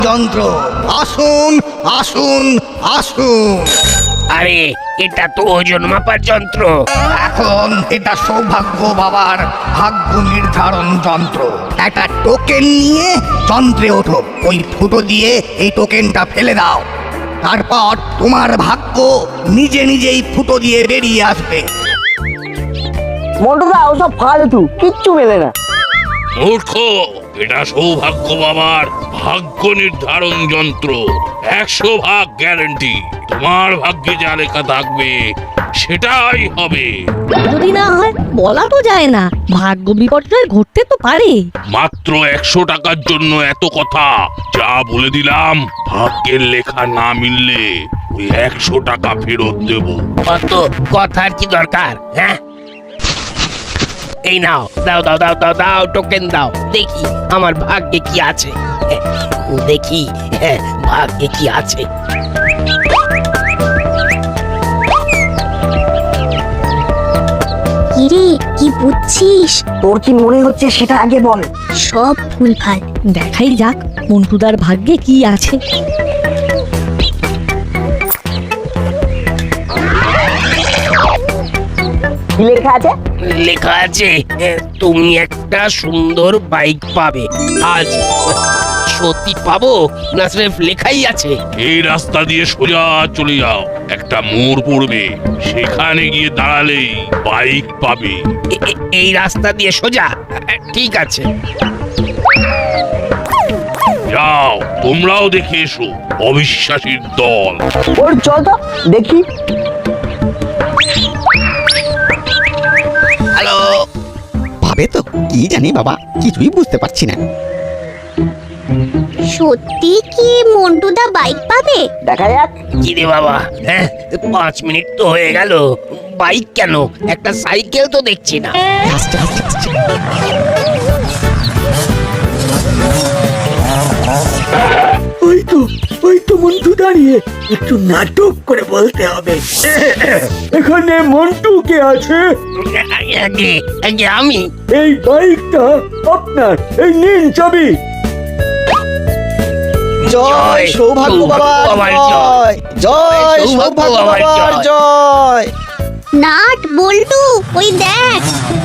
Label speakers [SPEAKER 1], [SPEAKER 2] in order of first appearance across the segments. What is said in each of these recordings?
[SPEAKER 1] যন্ত্র। আসুন আসুন আসুন।
[SPEAKER 2] আরে এটা তো ওজন মাপার যন্ত্র।
[SPEAKER 1] এখন এটা সৌভাগ্য বাবার ভাগ্য নির্ধারণ যন্ত্র। একটা টোকেন নিয়ে যন্ত্রে ওঠো, ওই ফুটো দিয়ে এই টোকেনটা ফেলে দাও। তারপর তোমার ভাগ্য নিজে নিজেই ফুটো দিয়ে বেরিয়ে আসবে।
[SPEAKER 3] মন্টুদা ওসব ফালতু, কিচ্ছু মেলে না।
[SPEAKER 4] মূর্খ, এটা সৌভাগ্য বাবার ভাগ্য নির্ধারণ যন্ত্র। 100% গ্যারান্টি। তোমার ভাগ্যে যা লেখা থাকবে সেটাই হবে।
[SPEAKER 5] যদি না হয় বলা তো যায় না, ভাগ্য বিপর্যয় ঘটতে তো পারে।
[SPEAKER 4] মাত্র 100 টাকার জন্য এত কথা। যা বলে দিলাম, ভাগ্যের লেখা না মিললে ওই 100 টাকা ফেরত দেব।
[SPEAKER 2] অত কথার কি দরকার? হ্যাঁ, এই নাও, দাও দাও দাও দাও দাও, টোকেন দাও, দেখি আমার ভাগ্যে কি আছে। দেখি ভাগ্যে কি আছে।
[SPEAKER 6] কিরে, কি বুঝছিস?
[SPEAKER 3] তোর কি মনে হচ্ছে সেটা আগে বল।
[SPEAKER 6] সব ভুলভাল।
[SPEAKER 5] দেখাই যাক মন্টুদার ভাগ্যে কি আছে।
[SPEAKER 3] কি লেখা আছে?
[SPEAKER 2] লেখা আছে তুমি একটা সুন্দর বাইক পাবে আজ। সত্যি পাবো না সির্ফ লেখাই আছে?
[SPEAKER 4] এই রাস্তা দিয়ে সোজা চলে যাও, একটা মোড় পড়বে, সেখানে গিয়ে দাঁড়ালেই বাইক পাবে।
[SPEAKER 2] এই রাস্তা দিয়ে সোজা? ঠিক আছে।
[SPEAKER 4] যাও, তোমরাও দেখে এসো অবিশ্বাসীর দল।
[SPEAKER 3] ওর চল তো দেখি।
[SPEAKER 1] হ্যালো,
[SPEAKER 7] ভাবে তো কি জানি বাবা, কিছুই বুঝতে পারছি না।
[SPEAKER 6] সত্যি কি মন্টুদা বাইক পাবে?
[SPEAKER 3] দেখা যাক।
[SPEAKER 2] কি রে বাবা, 5 মিনিট তো হয়ে গেল, বাইক কেন, একটা সাইকেল তো দেখছি না।
[SPEAKER 7] আস্তে আস্তে আস্তে।
[SPEAKER 8] ওই তো মন্টু দাঁড়িয়ে, একটু নাটক করে বলতে হবে। এখানে মন্টু কে আছে?
[SPEAKER 2] আগে আগে আমি।
[SPEAKER 8] এই বাইকটা আপনার, এই নিন চাবি।
[SPEAKER 7] জয় সৌভাগ্য বাবার জয়, জয় সৌভাগ্য বাবার জয়।
[SPEAKER 6] নাট বল্টু, ওই দেখ।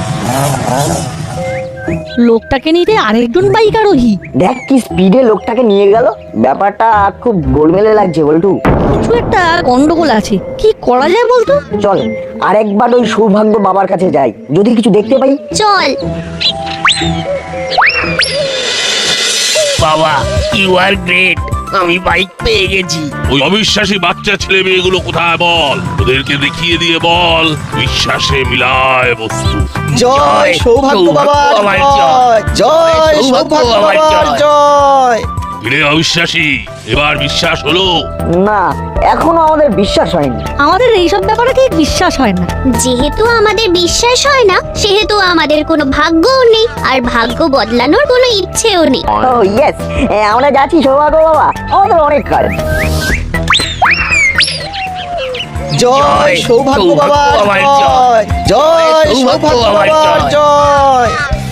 [SPEAKER 5] লোকটাকে নিতে আরেকজন বাইক আরোহী।
[SPEAKER 3] দেখ কি স্পিডে লোকটাকে নিয়ে গেল। ব্যাপারটা খুব গোলমেলে লাগছে বল্টু।
[SPEAKER 5] কিছু একটা গন্ডগোল আছে, কি করা যায় বলতো?
[SPEAKER 3] চল আরেকবার ওই সৌভাগ্য বাবার কাছে যাই, যদি কিছু দেখতে পাই।
[SPEAKER 6] চল।
[SPEAKER 2] বাবা, ইউ আর গ্রেট, আমি বাইক পেয়ে গেছি।
[SPEAKER 4] ওই অবিশ্বাসী বাচ্চা ছেলে মেয়েগুলো কোথায় বল, ওদেরকে দেখিয়ে দিয়ে বল বিশ্বাসে মিলায় বস্তু।
[SPEAKER 7] জয় সৌভাগ্য বাবার জয়, জয় সৌভাগ্য বাবার জয়।
[SPEAKER 4] ফিরে অবিশ্বাসী, এবার বিশ্বাস হলো?
[SPEAKER 3] না, এখনো আমাদের বিশ্বাস হয়নি।
[SPEAKER 5] আমাদের এইসব ব্যাপারে ঠিক বিশ্বাস হয় না।
[SPEAKER 6] যেহেতু আমাদের বিশ্বাস হয় না, সেহেতু আমাদের কোনো ভাগ্যও নেই, আর ভাগ্য বদলানোর কোনো ইচ্ছেও নেই।
[SPEAKER 3] ও ইয়েস, আমরা যাচ্ছি সৌভাগ্য বাবা, আমাদের অনেক কাজ।
[SPEAKER 7] জয় সৌভাগ্য বাবার জয়, জয় সৌভাগ্য বাবার জয়।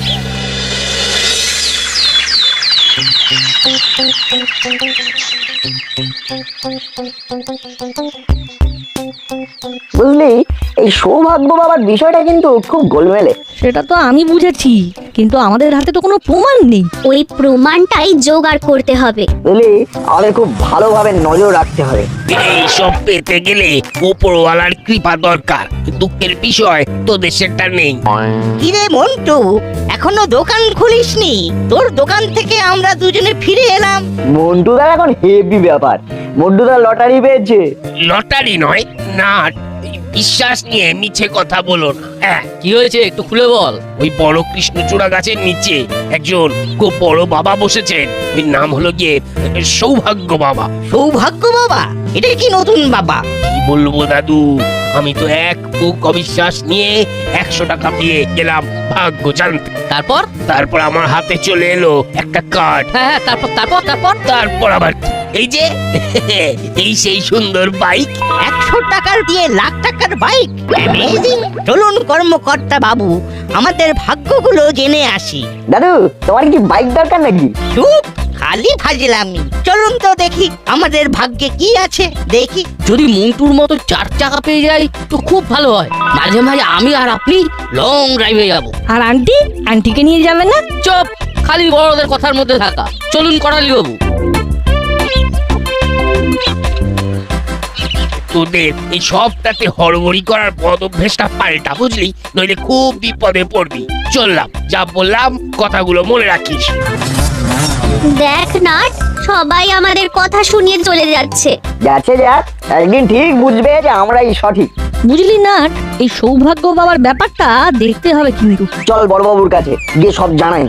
[SPEAKER 3] বুঝলি, এই সৌভাগ্য বাবার বিষয়টা কিন্তু খুব গোলমেলে।
[SPEAKER 5] সেটা তো আমি বুঝেছি, কিন্তু আমাদের হাতে তো কোনো প্রমাণ নেই।
[SPEAKER 6] ওই প্রমাণটাই জোগাড় করতে হবে।
[SPEAKER 3] বুঝলি, আমাদের খুব ভালোভাবে নজর রাখতে হবে।
[SPEAKER 2] এইসব পেতে গেলে উপরওয়ালার কৃপা দরকার। দুঃখের বিষয় তোদের সেটা নেই।
[SPEAKER 9] কিরে মন্টু, এখনো দোকান খুলিসনি? তোর দোকান থেকে আমরা দুজনে ফিরে এলাম।
[SPEAKER 3] মন্টুদার এখন হেভি ব্যাপার। মন্টুদার লটারি পেয়েছে।
[SPEAKER 2] লটারি নয়, নাট। বিশ্বাস নিয়ে মিছে কথা বলো না।
[SPEAKER 10] কি হয়েছে একটু খুলে বল।
[SPEAKER 2] ওই বড় কৃষ্ণচূড়া গাছের নিচে একজন খুব বড় বাবা বসেছেন। ওই নাম হলো গিয়ে সৌভাগ্য বাবা।
[SPEAKER 9] সৌভাগ্য বাবা? এটা কি নতুন বাবা?
[SPEAKER 2] কি বলবো দাদু, আমি তো এক বুক অবিশ্বাস নিয়ে 100 টাকা দিয়ে গেলাম ভাগ্য জানতে।
[SPEAKER 10] তারপর?
[SPEAKER 2] তারপর আমার হাতে চলে এলো একটা কার্ড।
[SPEAKER 10] হ্যাঁ, তারপর তারপর তারপর
[SPEAKER 2] তারপর আবার এই যে এই সেই সুন্দর বাইক।
[SPEAKER 9] 100 টাকার দিয়ে লাখ টাকার বাইক? অ্যামেজিং! চলুন কর্মকর্তা বাবু, আমাদের ভাগ্যগুলো জেনে আসি।
[SPEAKER 3] দাদু, তোমার কি বাইক দরকার নাকি?
[SPEAKER 9] চুপ! খালি ফাজলামি। চলুন তো দেখি আমাদের ভাগ্যে কি আছে দেখি।
[SPEAKER 10] যদি মন্টুর মতো 4 চাকা পেয়ে যাই তো খুব ভালো হয়। মাঝে মাঝে আমি আর আপনি লং ড্রাইভে যাব।
[SPEAKER 5] আর আন্টিকে নিয়ে যাবে না?
[SPEAKER 10] চুপ, খালি বড়দের কথার মধ্যে থাকা। চলুন করালি বাবু।
[SPEAKER 2] তোদের এই সবটাতে হড়বড়ি করার বদ অভ্যেসটা পাল্টা, বুঝলি? নইলে খুব বিপদে পড়বি। চললাম, যা বললাম কথাগুলো মনে রাখিস।
[SPEAKER 6] দেখ নাট, সবাই আমাদের কথা শুনিয়ে চলে যাচ্ছে।
[SPEAKER 3] যাচ্ছে যাক, একদিন ঠিক বুঝবে যে আমরাই সঠিক।
[SPEAKER 5] বুঝলি না, এই সৌভাগ্য বাবার ব্যাপারটা দেখতে হবে কিন্তু।
[SPEAKER 3] চল বড়বাবুর কাছে গিয়ে সব জানাই।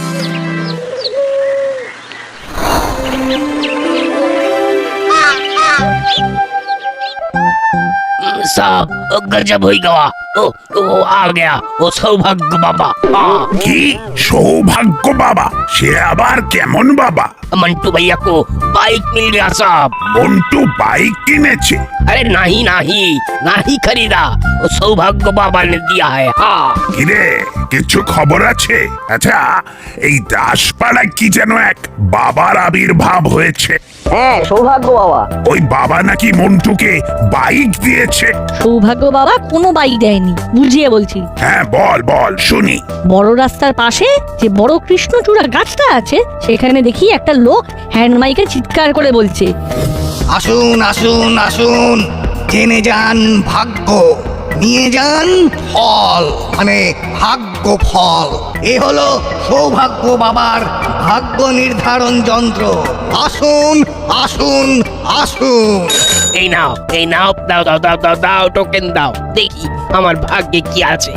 [SPEAKER 2] साहब गजब हो गया। वो आ गया, वो सौभाग्य बाबा। हाँ,
[SPEAKER 4] কি সৌভাগ্য বাবা? সে আবার কেমন বাবা?
[SPEAKER 2] मंटू भैया को बाइक मिल गया साहब।
[SPEAKER 4] মন্টু বাইক কিনেছে?
[SPEAKER 2] अरे नहीं नहीं नहीं खरीदा, वो सौभाग्य बाबा ने दिया है। हाँ,
[SPEAKER 4] কিরে, কিছু খবর আছে? আচ্ছা, এই দাসপাড়ায় কি যেন এক বাবার আবির্ভাব হয়েছে।
[SPEAKER 3] হ্যাঁ, সৌভাগ্য বাবা।
[SPEAKER 4] ওই বাবা নাকি মন্টুকে বাইক দিয়েছে।
[SPEAKER 5] সৌভাগ্য বাবা কোনো বাইক দেয়নি, বুঝিয়ে বলছি।
[SPEAKER 4] হ্যাঁ, বল বল শুনি।
[SPEAKER 5] বড় রাস্তার পাশে যে বড় কৃষ্ণচূড়া গাছটা আছে, সেখানে দেখি একটা লোক হ্যান্ড মাইকে চিৎকার করে বলছে,
[SPEAKER 1] আসুন আসুন আসুন, জেনে যান ভাগ্য, নিয়ে যান ফল, মানে ভাগ্য ফল। এ হলো সৌভাগ্য বাবার ভাগ্য নির্ধারণ যন্ত্র। আসুন আসুন আসুন।
[SPEAKER 2] এই নাও এই নাও, দাও দাও দাও দাও দাও, টোকেন দাও, দেখি আমার ভাগ্যে কি আছে।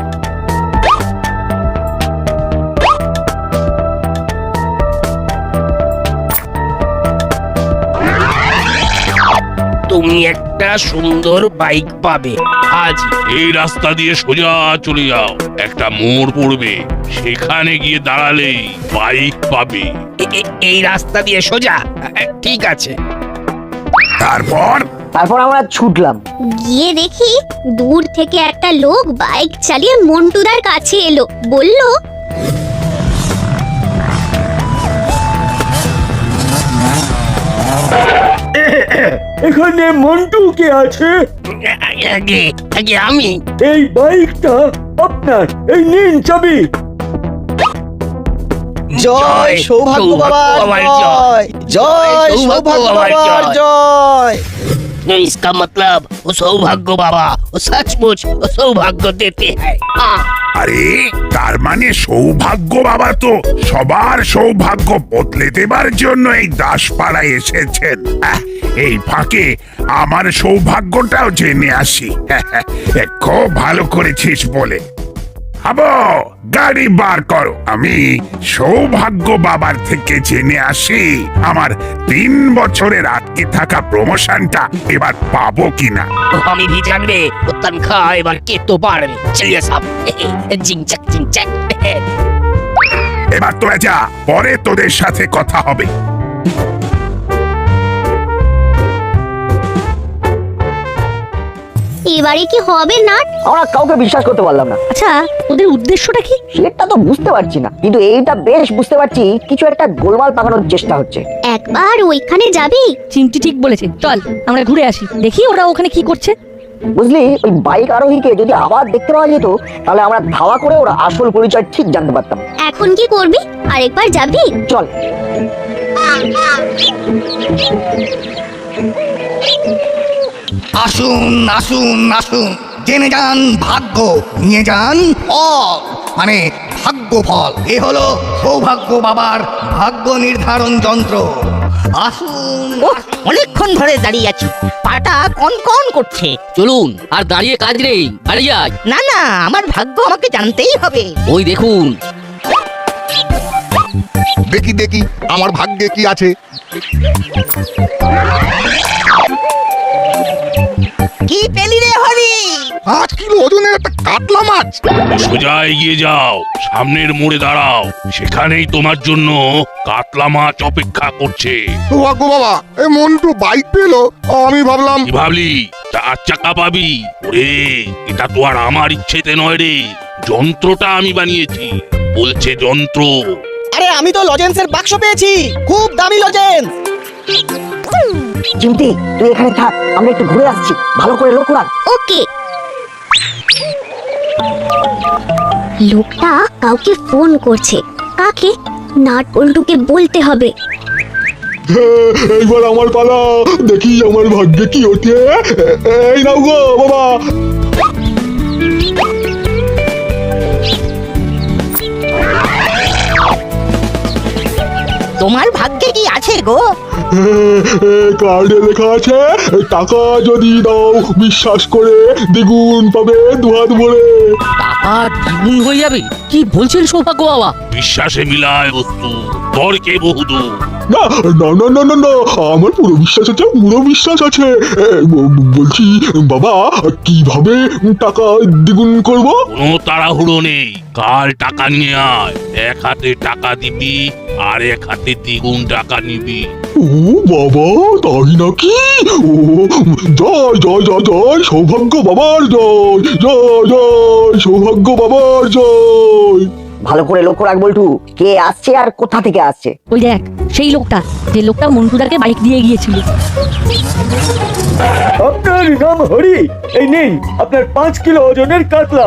[SPEAKER 2] তুমি একটা সুন্দর বাইক পাবে আজ।
[SPEAKER 4] এই রাস্তা দিয়ে সোজা চলে যাও, একটা মোড় পড়বে, সেখানে গিয়ে দাঁড়ালেই বাইক পাবে।
[SPEAKER 2] এই রাস্তা দিয়ে সোজা? ঠিক আছে।
[SPEAKER 3] তারপর আমরা ছুটলাম।
[SPEAKER 6] গিয়ে দেখি দূর থেকে একটা লোক বাইক চালিয়ে মন্টুদার কাছে এলো, বলল,
[SPEAKER 8] এখানে মন্টু কে আছে?
[SPEAKER 2] আগে আগে আমি।
[SPEAKER 8] এই বাইকটা আপনার, এই নিন চাবি।
[SPEAKER 7] জয় সৌভাগ্য বাবার জয়, জয় সৌভাগ্য বাবার জয়।
[SPEAKER 2] इसका मतलब वो सौभाग्य बाबा वो सचमुच वो सौभाग्य देते हैं। हाँ।
[SPEAKER 4] আরে, তার মানে সৌভাগ্য বাবা তো সবার সৌভাগ্য বদলে দেবার জন্য এই দাসপাড়ায় এসেছেন। এই ফাঁকে আমার সৌভাগ্যটাও জেনে আসি। খুব ভালো করেছিস বলে। আবো, গাড়ি বার করো, আমি সৌভাগ্য বাবার থেকে জেনে আসি আমার 3 বছরের আটকে থাকা প্রমোশনটা এবার পাবো কিনা।
[SPEAKER 2] हमें भी जानवे वो तनख्वाह एवं के तो बाढ़ में। चलिए साहब, जिंचक जिंचक।
[SPEAKER 4] এবার তোরা যা, পরে তোদের সাথে কথা হবে।
[SPEAKER 6] এবারে কি হবে নাট?
[SPEAKER 3] আমরা কাউকে বিশ্বাস করতে পারলাম না।
[SPEAKER 5] আচ্ছা ওদের উদ্দেশ্যটা কি?
[SPEAKER 3] সেটা তো বুঝতে পারছি না, কিন্তু এইটা বেশ বুঝতে পারছি কিছু একটা গোলমাল পাকানোর চেষ্টা হচ্ছে।
[SPEAKER 6] একবার ওইখানে যাবি?
[SPEAKER 5] চিমটি ঠিক বলেছে, চল আমরা ঘুরে আসি, দেখি ওরা ওখানে কি করছে।
[SPEAKER 3] বুঝলি, ওই বাইক আরোহীকে যদি আবার দেখতে পাওয়া যেত, তাহলে আমরা ধাওয়া করে ওরা আসল পরিচয় ঠিক জানতে পারতাম।
[SPEAKER 6] এখন কি করবি? আরেকবার যাবি?
[SPEAKER 3] চল।
[SPEAKER 1] আসুন আসুন আসুন, জেনে যান ভাগ্য, নিয়ে যান ফল, মানে ভাগ্য ফল। এ হলো সৌভাগ্য বাবার ভাগ্য নির্ধারণ যন্ত্র। আসুন।
[SPEAKER 9] ওহ, অনেকক্ষণ ধরে দাঁড়িয়ে আছি, পাটা কন কন করছে।
[SPEAKER 10] চলুন, আর দাঁড়িয়ে কাজ নেই, বাড়ি যাই।
[SPEAKER 9] না না, আমার ভাগ্য আমাকে জানতেই হবে।
[SPEAKER 10] ওই দেখুন।
[SPEAKER 7] দেখি দেখি আমার ভাগ্যে কি আছে।
[SPEAKER 9] কি পেলি রে হরি?
[SPEAKER 7] 5 কিলো ওজনের একটা কাতলা মাছ।
[SPEAKER 4] সোজা এগিয়ে যাও, সামনের মোড়ে দাঁড়াও, সেখানেই তোমার জন্য কাতলা মাছ অপেক্ষা করছে।
[SPEAKER 7] সৌভাগ্য বাবা, এই মন্টু বাইক পেলো, আমি ভাবলাম।
[SPEAKER 4] কি ভাবলি 4 চাকা পাবি? ওরে, এটা তো আর আমার ইচ্ছেতে নয় রে, যন্ত্রটা আমি বানিয়েছি। বলছে যন্ত্র,
[SPEAKER 7] আরে আমি তো লজেন্সের বাক্স পেয়েছি, খুব দামি লজেন্স।
[SPEAKER 3] চিমটি তুই এখানে থাক, আমরা একটু ঘুরে আসছি, ভালো করে লক্ষ্য রাখ।
[SPEAKER 6] ওকে। লোকটা কাউকে ফোন করছে। কাকে? নাট বল্টুকে বলতে হবে।
[SPEAKER 8] এইবার আমার পালা, দেখি আমার ভাগ্যে কি ওঠে। এই নাও গো বাবা।
[SPEAKER 9] তোমার ভাগ্যে কি আছে গো?
[SPEAKER 8] কার্ডে লেখা আছে, টাকা যদি দাও বিশ্বাস করে দ্বিগুণ পাবে দুহাত ভরে।
[SPEAKER 10] টাকা দ্বিগুণ হয়ে যাবে? কি বলছেন সৌভাগ্য বাবা?
[SPEAKER 4] বিশ্বাসে মিলায় বস্তু, তর্কে বহুদূর।
[SPEAKER 8] না না না না না না, আমার পুরো বিশ্বাস আছে, পুরো বিশ্বাস আছে। বলছি বাবা, কিভাবে টাকা দ্বিগুণ করব?
[SPEAKER 4] কোনো তাড়াহুড়ো নেই, কাল টাকা নিয়ে আয়। এক হাতে টাকা দিবি আর এক হাতে দ্বিগুণ টাকা নিবি।
[SPEAKER 8] ও বাবা, তাই নাকি? ও জয় জয় জয় জয় সৌভাগ্য বাবার জয়, জয় জয় সৌভাগ্য বাবার জয়।
[SPEAKER 3] ভালো করে লক্ষ্য রাখ বল্টু, কে আসছে আর কোথা থেকে আসছে।
[SPEAKER 5] ওই দেখ সেই লোকটা, যে লোকটা মন্টুদাকে বাইক দিয়ে গিয়েছিল।
[SPEAKER 8] আপনার নাম হরি, এই নিন আপনার 5 কিলো ওজনের কাতলা।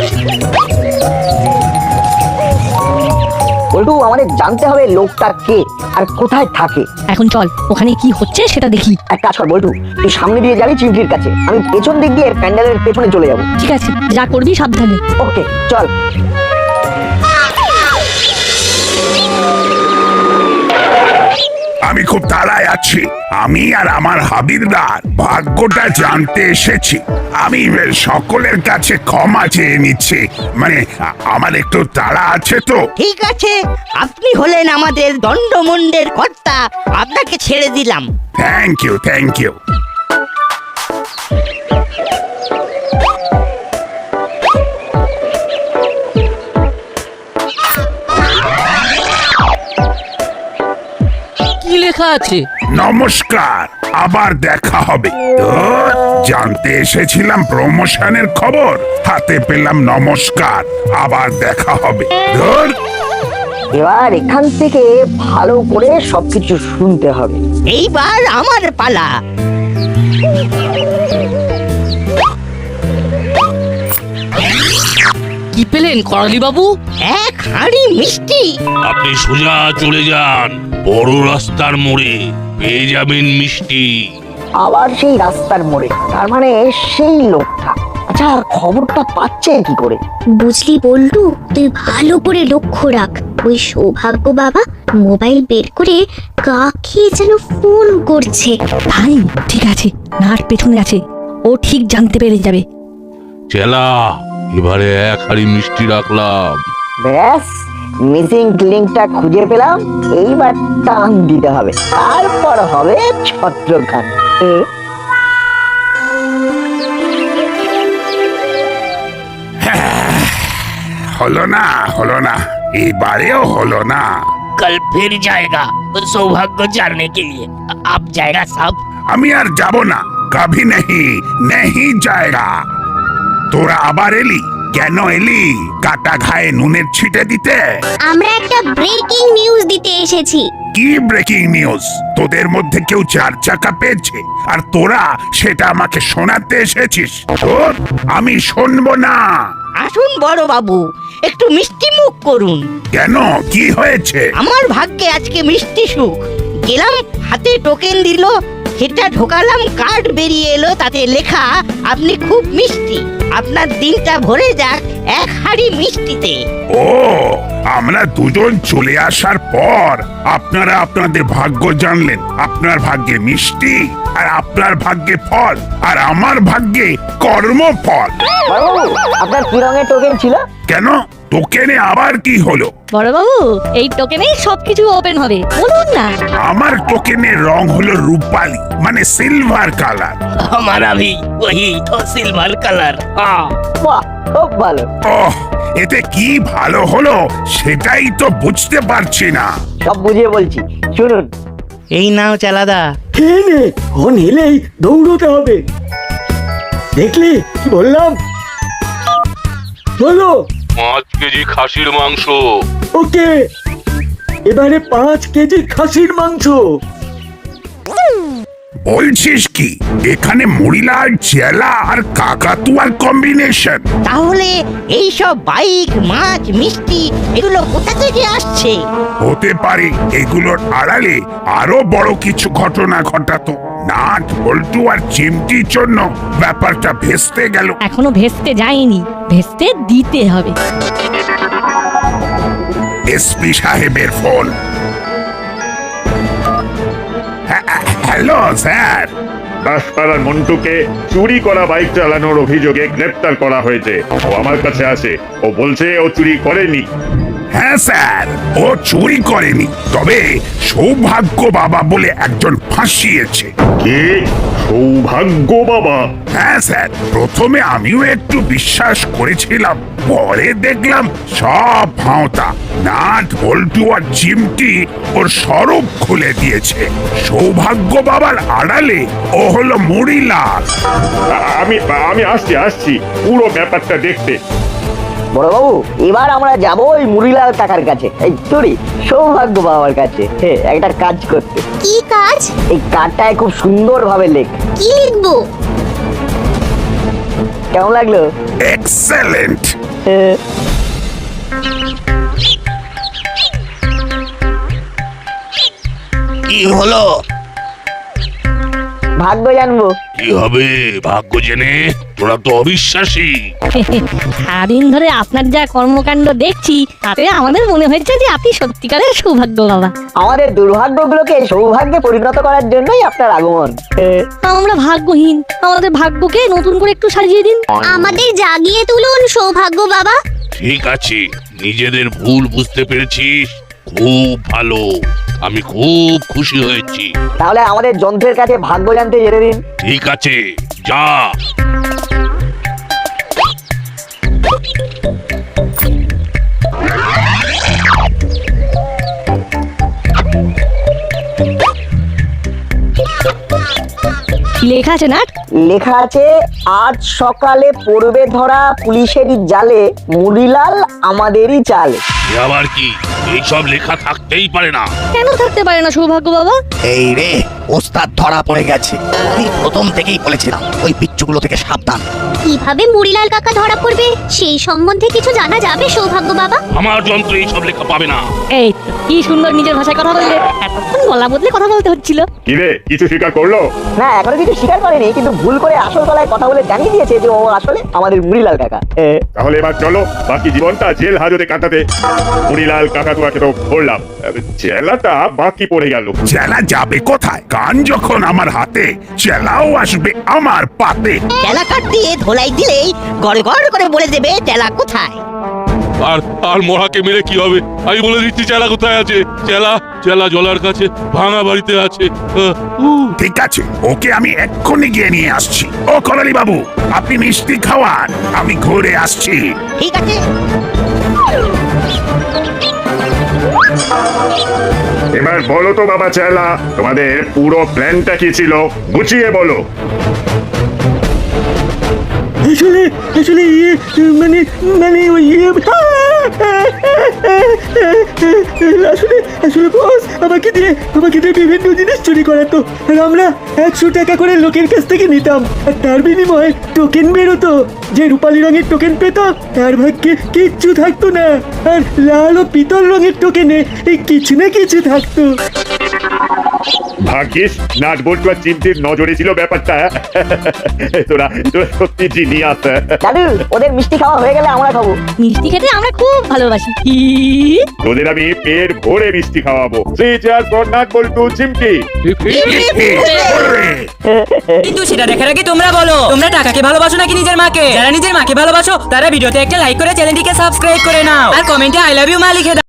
[SPEAKER 3] বল্টু, আমাদের জানতে হবে লোকটা কে আর কোথায় থাকে।
[SPEAKER 5] এখন চল ওখানে কি হচ্ছে সেটা দেখি।
[SPEAKER 3] এক কাজ কর বল্টু, তুই সামনে দিয়ে যাবি চিমটির কাছে, আমি পেছন দিক দিয়ে প্যান্ডেলের পেছনে চলে যাবো।
[SPEAKER 5] ঠিক আছে, যা করবি সাবধানে।
[SPEAKER 3] ওকে চল।
[SPEAKER 4] আমি খুব তাড়ায় আছি, আমি আর আমার হাবিলদার ভাগ্যটা জানতে এসেছি। আমি সকলের কাছে ক্ষমা চেয়ে নিচ্ছি, মানে আমার একটু তাড়া আছে তো।
[SPEAKER 9] ঠিক আছে, আপনি হলেন আমাদের দণ্ডমুণ্ডের কর্তা, আপনাকে ছেড়ে দিলাম।
[SPEAKER 4] Thank you, thank you.
[SPEAKER 10] কি লেখা আছে?
[SPEAKER 4] নমস্কার, আবার দেখা হবে। ধুর, জানতে এসেছিলাম প্রমোশনের খবর, হাতে পেলাম নমস্কার, আবার দেখা হবে। ধুর।
[SPEAKER 3] এবার এখান থেকে ভালো করে সবকিছু শুনতে হবে।
[SPEAKER 9] এইবার আমার পালা।
[SPEAKER 10] কি পেলেন করালি বাবু?
[SPEAKER 9] এক হাঁড়ি মিষ্টি।
[SPEAKER 4] আপনি সোজা চলে যান বড় রাস্তার মোড়ে, পেয়ে যাবেন মিষ্টি।
[SPEAKER 3] আবার সেই রাস্তার মোড়ে, তার মানে সেই লোকটা। আচ্ছা, খবরটা পাচ্ছে কি করে?
[SPEAKER 6] বুঝলি বল্টু, তুই ভালো করে লক্ষ্য রাখ। ওই সৌভাগ্য বাবা মোবাইল বের করে কাকে যেন ফোন করছে।
[SPEAKER 5] ভাই ঠিক আছে, নাট পেছনে আছে, ও ঠিক জানতে পেরে যাবে।
[SPEAKER 4] চেলা, এবারে এক হাড়ি মিষ্টি রাখলাম।
[SPEAKER 3] ব্যাস, মিসিং লিঙ্কটা খুঁজে পেলাম, এইবার টান দিতে হবে, তারপর হবে ছত্রখান।
[SPEAKER 4] হলো না, হলো না, এবারেও হলো না।
[SPEAKER 2] कल फिर जाएगा सौभाग्य जानने के लिए। अब जाएगा सब।
[SPEAKER 4] আমি আর যাব না, কভি নেহি নেহি জায়গা। তোরা আবার এলি কেন? এলি কাটা ঘায়ে নুনের ছিটে দিতে?
[SPEAKER 6] আমরা একটা ব্রেকিং নিউজ দিতে এসেছি।
[SPEAKER 4] কি ব্রেকিং নিউজ? তোদের মধ্যে কেউ 4 চাকা পেয়েছে আর তোরা সেটা আমাকে শোনাতে এসেছিস? তোর আমি শুনবো না।
[SPEAKER 9] আসুন বড় বাবু, একটু মিষ্টি মুখ করুন।
[SPEAKER 4] কেন, কি হয়েছে?
[SPEAKER 9] আমার ভাগ্যে আজকে মিষ্টি সুখ। গেলাম, হাতে টোকেন দিল, সেটা ঢোকালাম, কার্ড বেরিয়ে এলো, তাতে লেখা আপনি খুব মিষ্টি, আপনার দিনটা ভরে যাক এক হাঁড়ি মিষ্টিতে।
[SPEAKER 4] ও, আমরা দুজন চলে আসার পর আপনারা আপনাদের ভাগ্য জানলেন। আপনার ভাগ্যে মিষ্টি আর আপনার ভাগ্যে ফল, আর আমার ভাগ্যে কর্মফল।
[SPEAKER 3] বড়বাবু, আপনার কি রঙের টোকেন ছিল?
[SPEAKER 4] কেন, টোকেনে আবার কি হলো?
[SPEAKER 5] বড়বাবু, এই টোকেনেই সবকিছু ওপেন হবে, বলুন না।
[SPEAKER 4] আমার টোকেনের রং হলো রূপালি, মানে সিলভার কালার।
[SPEAKER 2] हमारा भी वही तो सिल्वर कलर। हाँ।
[SPEAKER 3] বাহ, খুব ভালো।
[SPEAKER 4] ওহ, এতে কি ভালো হলো সেটাই তো বুঝতে পারছি না।
[SPEAKER 3] সব বুঝিয়ে বলছি, শুনুন।
[SPEAKER 9] এই নাও চালাদা।
[SPEAKER 8] খেয়ে নে, ফোন এলেই দৌড়তে হবে। দেখলি কি বললাম? বলো।
[SPEAKER 4] 5 কেজি খাসির মাংস।
[SPEAKER 8] ওকে। এবারে 5 কেজি খাসির মাংস।
[SPEAKER 4] বলছিস কি এখানে মুড়িলাল চেলা আর কাকাতুয়ার কম্বিনেশন?
[SPEAKER 9] তাহলে এই সব বাইক মাছ মিষ্টি এগুলো কোথা থেকে আসছে?
[SPEAKER 4] হতে পারে এগুলোর আড়ালে আরো বড় কিছু ঘটনা ঘটাতো। নাট বল্টু আর চিমটির জন্য ব্যাপারটা ভেস্তে গেল।
[SPEAKER 5] এখনো ভেস্তে যায়নি, ভেস্তে দিতে হবে।
[SPEAKER 4] এসপি সাহেবের ফোন। Hello sir.
[SPEAKER 11] দাসপাড়ার মন্টুকে চুরি করা বাইক চালানোর অভিযোগে গ্রেপ্তার করা হয়েছে। ও আমার কাছে আসে, ও বলছে ও চুরি করেনি।
[SPEAKER 4] হ্যাঁ স্যার, ও চুরি করেনি, তবে সৌভাগ্য বাবা বলে একজন ফাঁসিয়েছে।
[SPEAKER 11] কে? সৌভাগ্য বাবা?
[SPEAKER 4] হ্যাঁ স্যার, প্রথমে আমিও একটু বিশ্বাস করেছিলাম, পরে দেখলাম সব ভাঁওতা। নাট বল্টু আর চিমটি ওর সরব খুলে দিয়েছে। সৌভাগ্য বাবার আড়ালে ও হলো মুড়িলাল।
[SPEAKER 11] আমি আসছি পুরো ব্যাপারটা দেখতে।
[SPEAKER 3] বড় বাবু, এবার আমরা যাব ওই মুড়িলাল কাকার কাছে, এই চুরি সৌভাগ্য বাবার কাছে একটা কাজ করতে।
[SPEAKER 6] কি কাজ?
[SPEAKER 3] এই কার্ডটায় খুব সুন্দর ভাবে লেখ।
[SPEAKER 6] কি লিখবো?
[SPEAKER 3] কেমন লাগলো?
[SPEAKER 4] এক্সেলেন্ট।
[SPEAKER 1] কি হলো?
[SPEAKER 3] ভাগ্য জানবো।
[SPEAKER 4] কি হবে ভাগ্য জেনে? তোরা তো অবিশ্বাসী।
[SPEAKER 5] সারাদিন ধরে আপনার যা কর্মকাণ্ড দেখছি তাতে আমাদের মনে হয়েছে যে আপনি সত্যিকারের সৌভাগ্য বাবা।
[SPEAKER 3] আমাদের দুর্ভাগ্যগুলোকে সৌভাগ্যে পরিণত করার জন্যই আপনার আগমন।
[SPEAKER 5] আমরা ভাগ্যহীন, আমাদের ভাগ্যকে নতুন করে একটু সাজিয়ে দিন।
[SPEAKER 6] আমাদের জাগিয়ে তুলুন সৌভাগ্য বাবা।
[SPEAKER 12] ঠিক আছে, নিজেদের ভুল বুঝতে পেরেছিস, খুব ভালো, আমি খুব খুশি হয়েছি।
[SPEAKER 3] তাহলে আমাদের যন্ত্রের কাছে ভাগ্য জানতে যেতে দিন।
[SPEAKER 12] ঠিক আছে, যা।
[SPEAKER 5] কি লেখা আছে নাট?
[SPEAKER 3] লেখা আছে, আজ সকালে পড়বে ধরা পুলিশেরই জালে, মুড়িলাল আমাদেরই চালে।
[SPEAKER 12] এ আবার কি? এইসব লেখা থাকতেই পারে না।
[SPEAKER 5] কেন থাকতে পারে না সৌভাগ্য বাবা?
[SPEAKER 1] এই রে, ওস্তাদ ধরা পড়ে গেছে। আমি প্রথম থেকেই বলেছিলাম ওই পিচ্চুগুলো থেকে সাবধান।
[SPEAKER 6] কিভাবে মুড়িলাল কাকা ধরা পড়বে সেই সম্বন্ধে কিছু জানা যাবে সৌভাগ্য বাবা?
[SPEAKER 12] আমার যন্ত্রে এইসব লেখা পাবে না।
[SPEAKER 5] এই তো, কি সুন্দর নিজের ভাষায় কথা বললে। এতক্ষণ গলা বদলে কথা বলতে হচ্ছিল।
[SPEAKER 11] কিরে, কিছু স্বীকার করলো?
[SPEAKER 3] না, এখনো কিছু স্বীকার করেনি, কিন্তু ভুল করে আসল গলায় কথা বলে জানিয়ে দিয়েছে যে ও আসলে আমাদের মুড়িলাল কাকা।
[SPEAKER 11] তাহলে এবার চলো বাকি জীবনটা জেল হাজতে কাটাতে। মুড়িলাল কাকাতুয়াকে তো ধরলাম, জেলাটা বাকি পড়ে গেল।
[SPEAKER 4] চেলা যাবে কোথায়? গান যখন আমার হাতে, চেলাও আসবে আমার পাতে।
[SPEAKER 9] চেলা কাঠ দিয়ে ধোলাই দিলেই গড় গড় করে বলে দেবে চেলা কোথায়।
[SPEAKER 12] আর মরাকে মেরে কি হবে? আমি বলে দিচ্ছি চেলা কোথায় আছে। চেলা চেলা জলার কাছে ভাঙা বাড়িতে আছে।
[SPEAKER 4] ঠিক আছে, ওকে আমি এক্ষুনি গিয়ে নিয়ে আসছি। ও করালি বাবু, আপনি মিষ্টি খাওয়ান, আমি ঘুরে আসছি।
[SPEAKER 9] ঠিক আছে।
[SPEAKER 11] এবার বলো তো বাবা চেলা, তোমাদের পুরো প্ল্যানটা কি ছিল? গুছিয়ে বলো।
[SPEAKER 8] আসলে আসলে মানে মানে ওই আসলে আসলে বস আমাকে দিয়ে বিভিন্ন জিনিস চুরি করাতো, আর আমরা 100 টাকা করে লোকের কাছ থেকে নিতাম, আর তার বিনিময়ে টোকেন বেরোতো। যে রূপালী রঙের টোকেন পেতাম তার ভাগ্যে কিচ্ছু থাকতো না, আর লাল ও পিতল রঙের টোকেনে এই কিছু না কিছু থাকতো।
[SPEAKER 11] ভাগ্যিস নাট বল্টু আর চিমটির নজরে ছিল ব্যাপারটা। তোরা সত্যি জিনিয়াস।
[SPEAKER 3] দাদু, ওদের মিষ্টি খাওয়া হয়ে গেলে আমরা খাবো।
[SPEAKER 5] মিষ্টি খেতে আমরা খুব ভালোবাসি।
[SPEAKER 11] তোদের আমি পেট ভরে মিষ্টি খাওয়াবো। 3 4 ফর নাট বল্টু চিমটি।
[SPEAKER 13] কিন্তু সেটা দেখার আগে তোমরা বলো, তোমরা টাকাকে ভালোবাসো নাকি নিজের মাকে? যারা নিজের মাকে ভালোবাসো তারা ভিডিওতে একটা লাইক করে চ্যানেলটিকে সাবস্ক্রাইব করে নাও, আর কমেন্টে আই লাভ ইউ মা লিখে দাও।